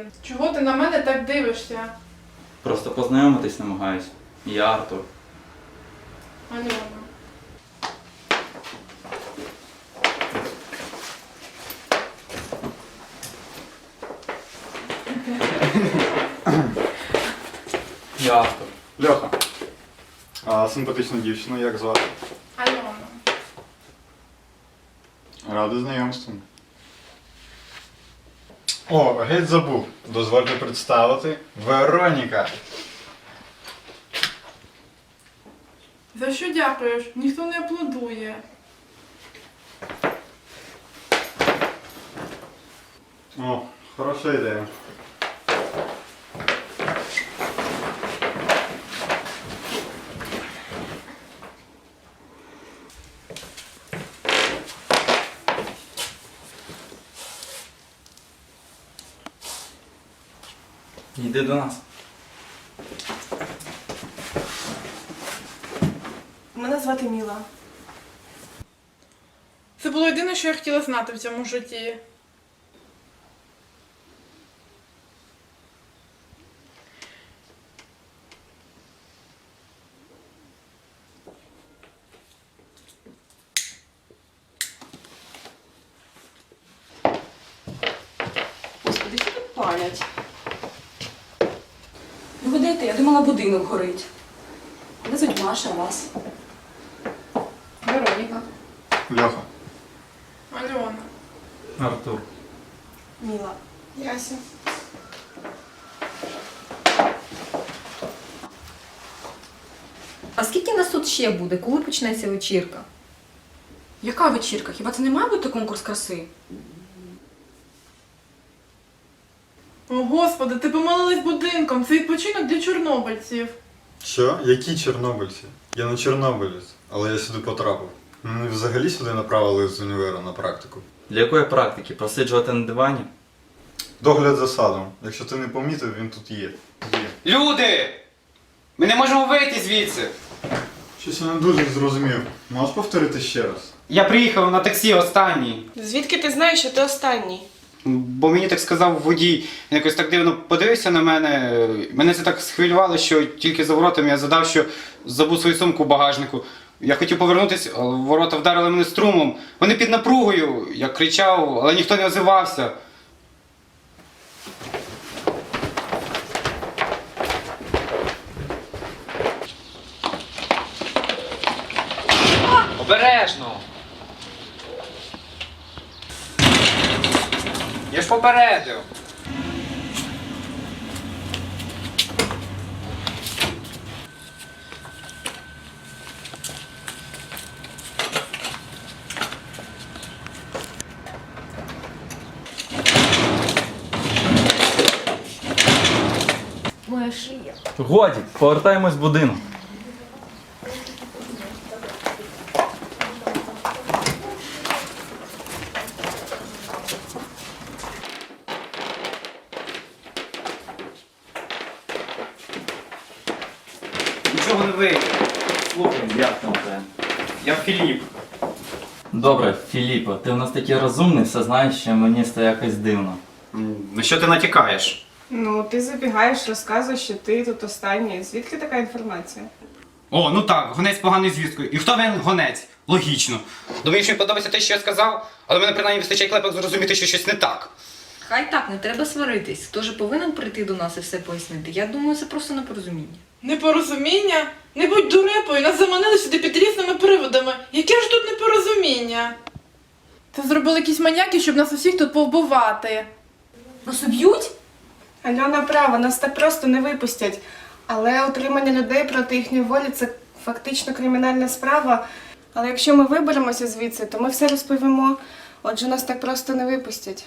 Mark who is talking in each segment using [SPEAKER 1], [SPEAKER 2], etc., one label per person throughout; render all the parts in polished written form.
[SPEAKER 1] один. Чого ти на мене так дивишся?
[SPEAKER 2] Просто познайомитись намагаюсь. Я Артур.
[SPEAKER 1] Альона.
[SPEAKER 2] Я Артур.
[SPEAKER 3] Льоха. А симпатичну дівчину як звати?
[SPEAKER 1] Альона.
[SPEAKER 3] Радий знайомству. О, геть забув. Дозвольте представити Вероніка.
[SPEAKER 1] За що дякуєш? Ніхто не аплодує.
[SPEAKER 3] О, хороша ідея.
[SPEAKER 2] Йди до нас.
[SPEAKER 4] Мене звати Міла.
[SPEAKER 1] Це було єдине, що я хотіла знати в цьому житті.
[SPEAKER 4] Господи, що тут палять? Ви годите, я думала, будинок горить. Де звуть Маша, а вас?
[SPEAKER 1] Вероніка.
[SPEAKER 3] Льоха.
[SPEAKER 1] Альона.
[SPEAKER 2] Артур.
[SPEAKER 4] Міла.
[SPEAKER 1] Яся.
[SPEAKER 5] А скільки нас тут ще буде? Коли почнеться вечірка?
[SPEAKER 4] Яка вечірка? Хіба це не має бути конкурс краси?
[SPEAKER 1] О, Господи, ти помилилась будинком. Це відпочинок для чорнобильців.
[SPEAKER 3] Що? Які чорнобильці? Я не чорнобилець, але я сюди потрапив. Мене взагалі сюди направили з універу на практику.
[SPEAKER 2] Для якої практики? Просиджувати на дивані?
[SPEAKER 3] Догляд за садом. Якщо ти не помітив, він тут є.
[SPEAKER 6] Люди! Ми не можемо вийти звідси.
[SPEAKER 3] Щось я не дуже зрозумів. Можеш повторити ще раз?
[SPEAKER 6] Я приїхав на таксі останній.
[SPEAKER 4] Звідки ти знаєш, що ти останній?
[SPEAKER 6] Бо мені так сказав водій. Він якось так дивно подивився на мене. Мене це так схвилювало, що тільки за воротами я задав, що забув свою сумку в багажнику. Я хотів повернутися, але ворота вдарили мене струмом. Вони під напругою. Я кричав, але ніхто не озивався. Обережно! Я ж попередив.
[SPEAKER 5] Моя шия.
[SPEAKER 2] Годі, повертаємось в будинок.
[SPEAKER 6] Нічого не вийде.
[SPEAKER 2] Слухай, як там це?
[SPEAKER 6] Я Філіп.
[SPEAKER 2] Добре, Філіппо, ти в нас такий розумний, все знаєш, що мені стає якось дивно.
[SPEAKER 6] На що ти натякаєш?
[SPEAKER 4] Ну, ти забігаєш, розказуєш, що ти тут останній. Звідки така інформація?
[SPEAKER 6] О, ну так, гонець поганою звісткою. І хто він гонець? Логічно. Думаєш, мені подобається те, що я сказав, але мене принаймні вистачає клепок зрозуміти, що щось не так.
[SPEAKER 5] Хай так, не треба сваритись. Хто ж повинен прийти до нас і все пояснити? Я думаю, це просто непорозуміння.
[SPEAKER 1] Непорозуміння? Не будь дурепою, нас заманили сюди під різними приводами. Яке ж тут непорозуміння? Це зробили якісь маньяки, щоб нас усіх тут повбивати.
[SPEAKER 5] Нас уб'ють?
[SPEAKER 4] Альона права, нас так просто не випустять. Але утримання людей проти їхньої волі – це фактично кримінальна справа. Але якщо ми виберемося звідси, то ми все розповімо. Отже, нас так просто не випустять.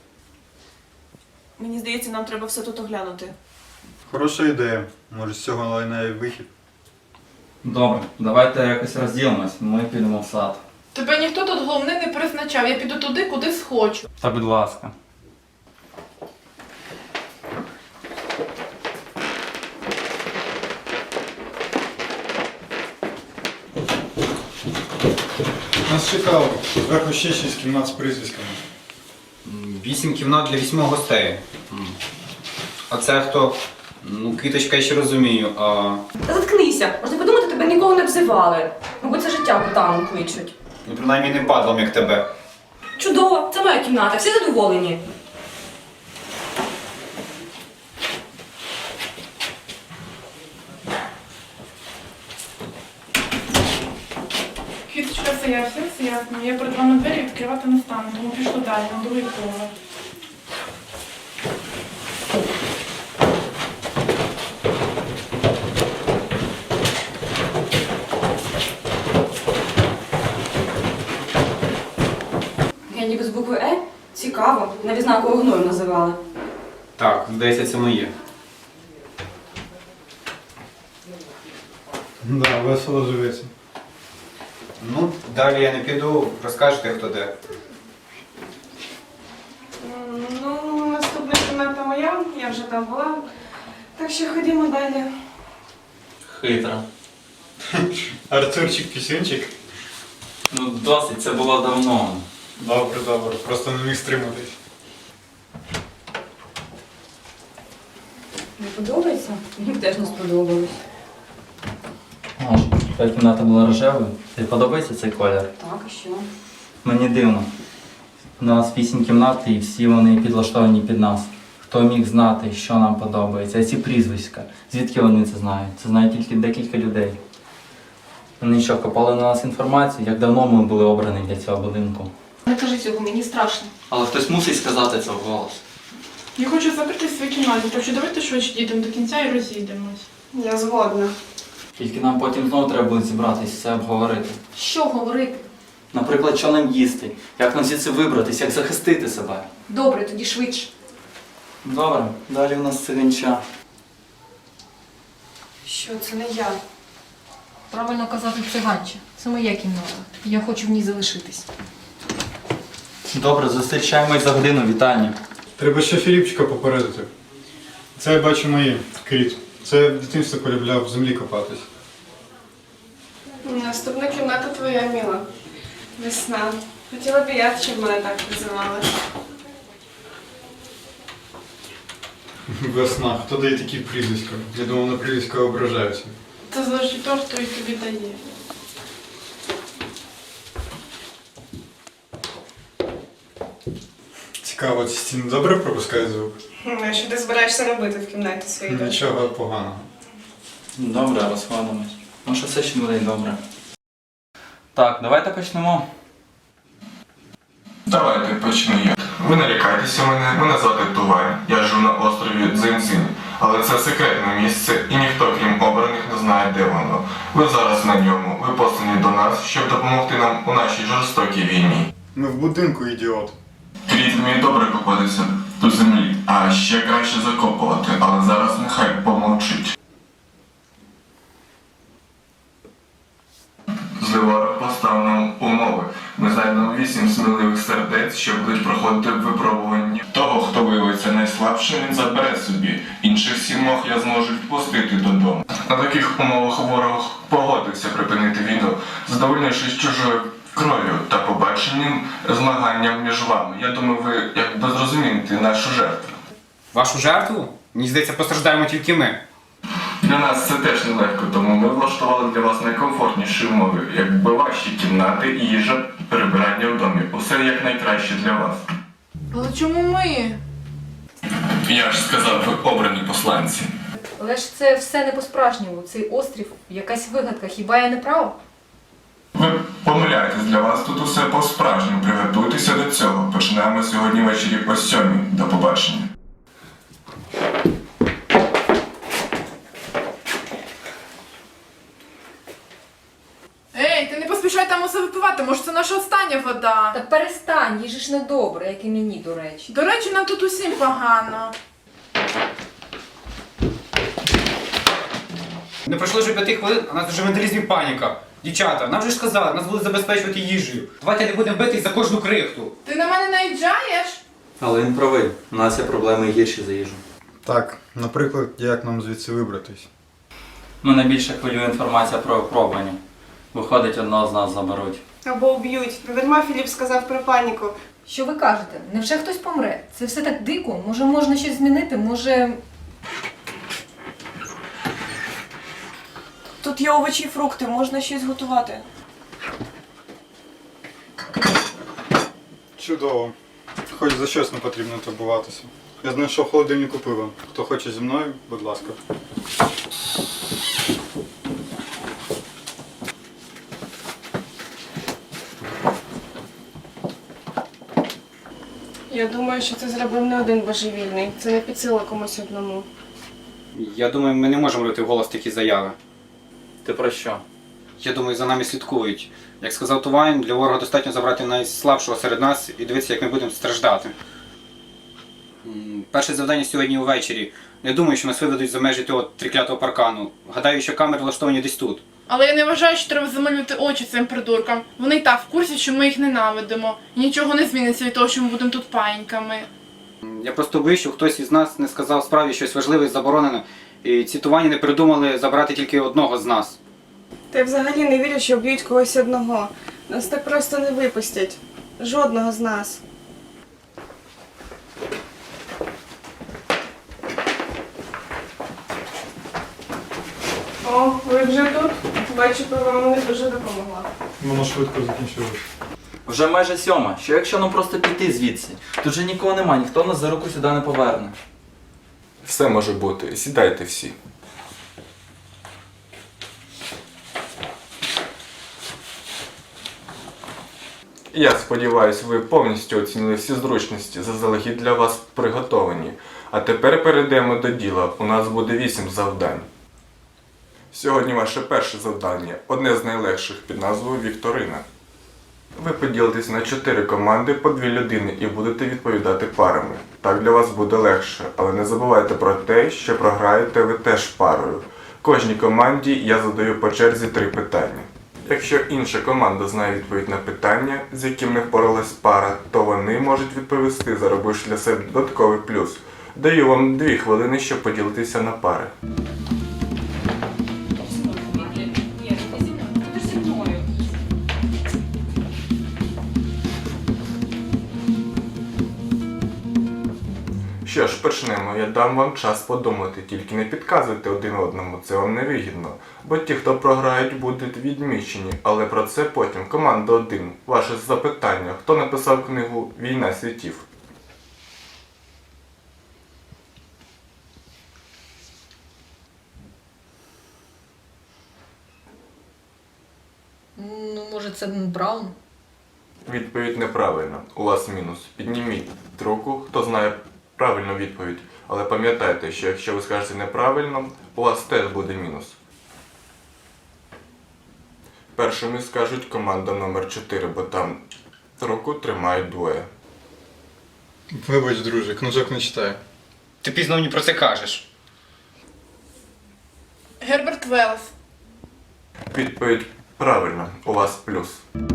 [SPEAKER 4] Мені здається, нам треба все тут оглянути.
[SPEAKER 3] Хороша ідея. Може з цього лайна і вихід.
[SPEAKER 2] Добре, давайте якось розділимось, ми підемо в сад.
[SPEAKER 1] Тебе ніхто тут головне не призначав, я піду туди, куди схочу.
[SPEAKER 2] Та будь ласка.
[SPEAKER 3] Нас чекало. Зверху ще 6 кімнат з прізвиськами.
[SPEAKER 6] 8 кімнат для 8 гостей. А це хто? Ну, квіточка я ще розумію, а.
[SPEAKER 7] Та заткнися, можна подумати, тебе ніколи не обзивали. Мабуть, це життя ботаном кличуть.
[SPEAKER 6] Ну, принаймні не падлом, як тебе.
[SPEAKER 7] Чудово, це моя кімната, всі задоволені.
[SPEAKER 1] Квіточка, все ясно. Я перед вами двері відкривати не стану, тому пішло далі, на другий поверх.
[SPEAKER 7] Я ніби з букви Е? Цікаво, навіть знаю, кого гною називали.
[SPEAKER 6] Так, здається, це моє.
[SPEAKER 3] Да, весело живеться.
[SPEAKER 6] Ну, далі я не піду, розкажете, хто де.
[SPEAKER 4] Ну, наступна кімната моя, я вже там була. Так що ходімо далі.
[SPEAKER 2] Хитра.
[SPEAKER 3] Артурчик Пісюнчик?
[SPEAKER 2] Ну досить, це було давно.
[SPEAKER 3] Добре, просто не міг стриматись.
[SPEAKER 7] Не подобається? Мені теж не сподобалось.
[SPEAKER 2] О, твоя кімната була рожевою. Тобі подобається цей колір?
[SPEAKER 7] Так, і що?
[SPEAKER 2] Мені дивно. У нас 8 кімнат і всі вони підлаштовані під нас. Хто міг знати, що нам подобається? А ці прізвиська. Звідки вони це знають? Це знають тільки декілька людей. Вони що, копали на нас інформацію, як давно ми були обрані для цього будинку.
[SPEAKER 7] Не кажи цього, мені страшно.
[SPEAKER 2] Але хтось мусить сказати це вголос.
[SPEAKER 1] Я хочу закритись в своїй кімнаті, так що давайте швидше дійдемо до кінця і розійдемось.
[SPEAKER 4] Я згодна.
[SPEAKER 2] Тільки нам потім знову треба буде зібратися, все обговорити.
[SPEAKER 7] Що говорити?
[SPEAKER 2] Наприклад, що нам їсти, як нам звідси вибратись, як захистити себе.
[SPEAKER 7] Добре, тоді швидше.
[SPEAKER 2] Добре, далі у нас циганча.
[SPEAKER 4] Що, це не я.
[SPEAKER 5] Правильно казати циганче. Це моя кімната. Я хочу в ній залишитись.
[SPEAKER 2] Добре, зустрічаємось за годину, вітання.
[SPEAKER 3] Треба ще Філіпчика попередити. Це я бачу моє, Кріт. Це в дитинстві полюбляв в землі копатись.
[SPEAKER 4] Наступна кімната твоя, Міла. Весна. Хотіла б я, щоб мене так називали.
[SPEAKER 3] Весна, хто дає такі прізвиська? Я думав, на прізвиська ображаються.
[SPEAKER 1] Це залежить того, хто і тобі дає.
[SPEAKER 3] Цікаво, ці стіни добре пропускають звук?
[SPEAKER 4] А що ти збираєшся робити в кімнаті своїй?
[SPEAKER 3] Нічого поганого.
[SPEAKER 2] Добре, розходимось. Може все ще буде добре. Так, давайте почнемо.
[SPEAKER 8] Давайте почну я. Ви не лякайтеся мене звати Тувай. Я живу на острові Дзиньцин. Але це секретне місце і ніхто, крім обраних, не знає, де воно. Ви зараз на ньому. Ви послані до нас, щоб допомогти нам у нашій жорстокій війні.
[SPEAKER 3] Ми в будинку, ідіот.
[SPEAKER 8] Кріт вміє добре копатися до землі, а ще краще закопувати, але зараз нехай помовчить. Зливарок поставив нам умови. Ми знайдемо 8 сміливих сердець, що будуть проходити випробування. Того, хто виявиться найслабшим, він забере собі. Інших 7 я зможу відпустити додому. На таких умовах ворог погодився припинити війну, задовольнившись чужою кров'ю та побаченням змаганням між вами. Я думаю, ви якби зрозумієте нашу жертву.
[SPEAKER 6] Вашу жертву? Мені здається, постраждаємо тільки ми.
[SPEAKER 8] Для нас це теж нелегко, тому ми влаштували для вас найкомфортніші умови, якби ваші кімнати, їжа, перебирання в домі. Усе як найкраще для вас.
[SPEAKER 1] Але чому ми?
[SPEAKER 8] Я ж сказав, ви обрані посланці.
[SPEAKER 5] Але ж це все не по-справжньому. Цей острів якась вигадка. Хіба я не права?
[SPEAKER 8] Ви помиляєтесь, для вас тут усе по-справжньому. Приготуйтеся до цього. Починаємо сьогодні ввечері о 7:00. До побачення.
[SPEAKER 1] Ей, ти не поспішай там усе випивати, може це наша остання вода.
[SPEAKER 5] Та перестань, їй же ж не добре, як і мені, до речі.
[SPEAKER 1] До речі, нам тут усім погано.
[SPEAKER 6] Не пройшло вже 5 хвилин, а нас вже вандалізм і паніка. Дівчата, нам вже ж сказали, нас будуть забезпечувати їжею. Давайте не будемо битись за кожну крихту.
[SPEAKER 1] Ти на мене наїжджаєш?
[SPEAKER 2] Але він правий, у нас є проблеми гірші за їжу.
[SPEAKER 3] Так, наприклад, як нам звідси вибратись?
[SPEAKER 2] Мене більше хвилює інформація про випробування. Виходить, одного з нас заберуть.
[SPEAKER 4] Або уб'ють. Недарма Філіп сказав про паніку.
[SPEAKER 5] Що ви кажете? Невже хтось помре? Це все так дико? Може можна щось змінити? Може
[SPEAKER 4] тут є овочі і фрукти, можна щось готувати.
[SPEAKER 3] Чудово. Хоч за щось не потрібно турбуватися. Я знайшов в холодильнику пиво. Хто хоче зі мною, будь ласка.
[SPEAKER 4] Я думаю, що це зробив не один божевільний. Це не під силу комусь одному.
[SPEAKER 6] Я думаю, ми не можемо робити вголос такі заяви.
[SPEAKER 2] Ти про що?
[SPEAKER 6] Я думаю, за нами слідкують. Як сказав Тувайн, для ворога достатньо забрати найслабшого серед нас і дивитися, як ми будемо страждати. Перше завдання сьогодні увечері. Не думаю, що нас виведуть за межі того триклятого паркану. Гадаю, що камери влаштовані десь тут.
[SPEAKER 1] Але я не вважаю, що треба замалювати очі цим придуркам. Вони й так в курсі, що ми їх ненавидимо. І нічого не зміниться від того, що ми будемо тут паїньками.
[SPEAKER 6] Я просто боюсь, що хтось із нас не сказав справі щось важливе і заборонене, і ці Тувані не придумали забрати тільки одного з нас.
[SPEAKER 4] Та я взагалі не вірю, що б'ють когось одного. Нас так просто не випустять. Жодного з нас. О, ви вже тут? Бачу, пиво вам не дуже допомогла.
[SPEAKER 3] Воно швидко закінчилось.
[SPEAKER 2] Вже майже 7:00. Що якщо нам просто піти звідси? Тут же нікого нема, ніхто нас за руку сюди не поверне.
[SPEAKER 8] Все може бути. Сідайте всі. Я сподіваюся, ви повністю оцінили всі зручності, заздалегідь для вас приготовані. А тепер перейдемо до діла. У нас буде 8 завдань. Сьогодні ваше перше завдання, одне з найлегших під назвою Вікторина. Ви поділитесь на 4 команди по 2 людини і будете відповідати парами. Так для вас буде легше, але не забувайте про те, що програєте ви теж парою. Кожній команді я задаю по черзі 3 питання. Якщо інша команда знає відповідь на питання, з яким не впоралась пара, то вони можуть відповісти, заробивши для себе додатковий плюс. Даю вам 2 хвилини, щоб поділитися на пари. Що ж, почнемо. Я дам вам час подумати, тільки не підказуйте один одному, це вам не вигідно. Бо ті, хто програють, будуть відмічені, але про це потім. Команда 1. Ваше запитання. Хто написав книгу «Війна світів»?
[SPEAKER 5] Ну, може, це Браун?
[SPEAKER 8] Відповідь неправильна. У вас мінус. Підніміть руку, хто знає правильну відповідь. Але пам'ятайте, що якщо ви скажете неправильно, у вас теж буде мінус. Першими скажуть команда номер 4, бо там руку тримають 2.
[SPEAKER 3] Вибач, друже, книжок не читаю.
[SPEAKER 6] Ти пізно мені про це кажеш.
[SPEAKER 1] Герберт Велс.
[SPEAKER 8] Відповідь правильна. У вас плюс.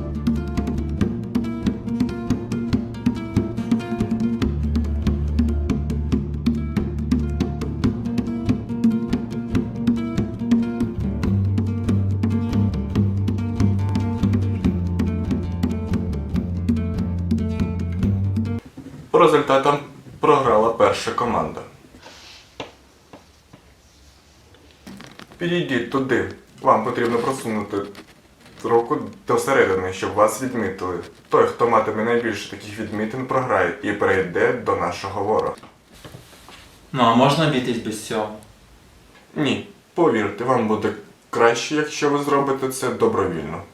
[SPEAKER 8] По результатам програла перша команда. Підійдіть туди. Вам потрібно просунути руку до середини, щоб вас відмітили. Той, хто матиме найбільше таких відмітин, програє і перейде до нашого ворога.
[SPEAKER 2] Ну а можна обійтись без цього?
[SPEAKER 8] Ні, повірте, вам буде краще, якщо ви зробите це добровільно.